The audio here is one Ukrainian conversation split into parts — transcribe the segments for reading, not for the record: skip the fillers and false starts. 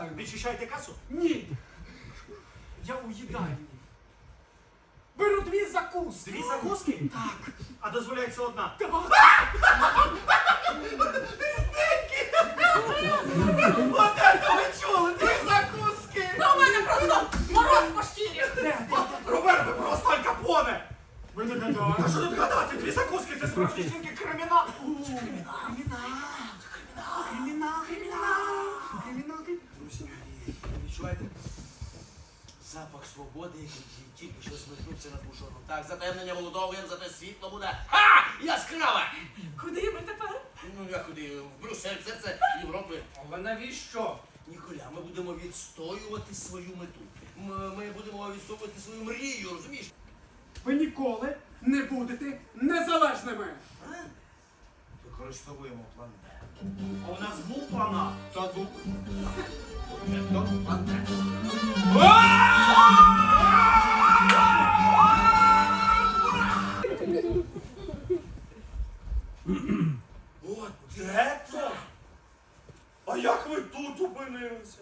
звичайно. Відчищаєте касу? Ні. Я у їдальні. Беру 2 закуски. 2 закуски? Так. А дозволяється одна. Так. От це ви чули! 2 закуски! Та у мене просто мороз по шкірі. Роберт, ви просто Аль Капоне! Ви не А гадаєте. що тут гадати? 2 закуски, це справжній жінки кримінал! Друзі, відчуваєте? Запах свободи, який тільки що смикнувся над бушоном. Так, затемнення молодовим, зате світло буде. Яскраве! Куди ми тепер? Ну, я куди? В Брюссель, серце Європи. Але навіщо? Ніколя, ми будемо відстоювати свою мету. Ми будемо відстоювати свою мрію, розумієш? Ви ніколи не будете незалежними. Використовуємо план Б. А у нас був план А. Та ну. План Б. От де це? А як ви тут опинилися?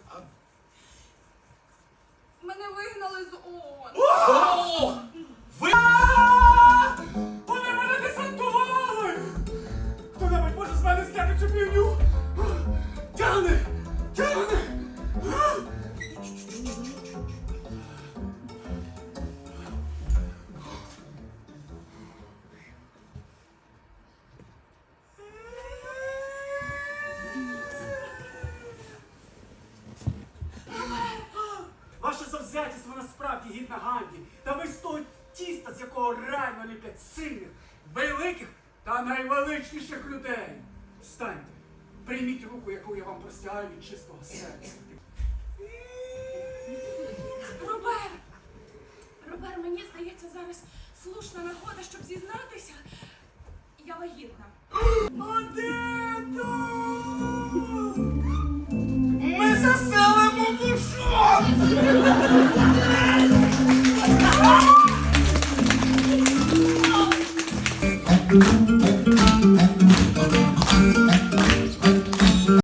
Мене вигнали з ООН. Вони мене десантували! Хто-небудь може з мене зняти цю півню? Тягни! Тягни! Ваше завзятість насправді гідна Ганді. Та ви з того тіста, з якого реально ліплять сильних, великих та найвеличніших людей. Встаньте, прийміть руку, яку я вам простягаю від чистого серця. Робер, мені здається, зараз слушна нагода, щоб зізнатися. Я вагітна. Один!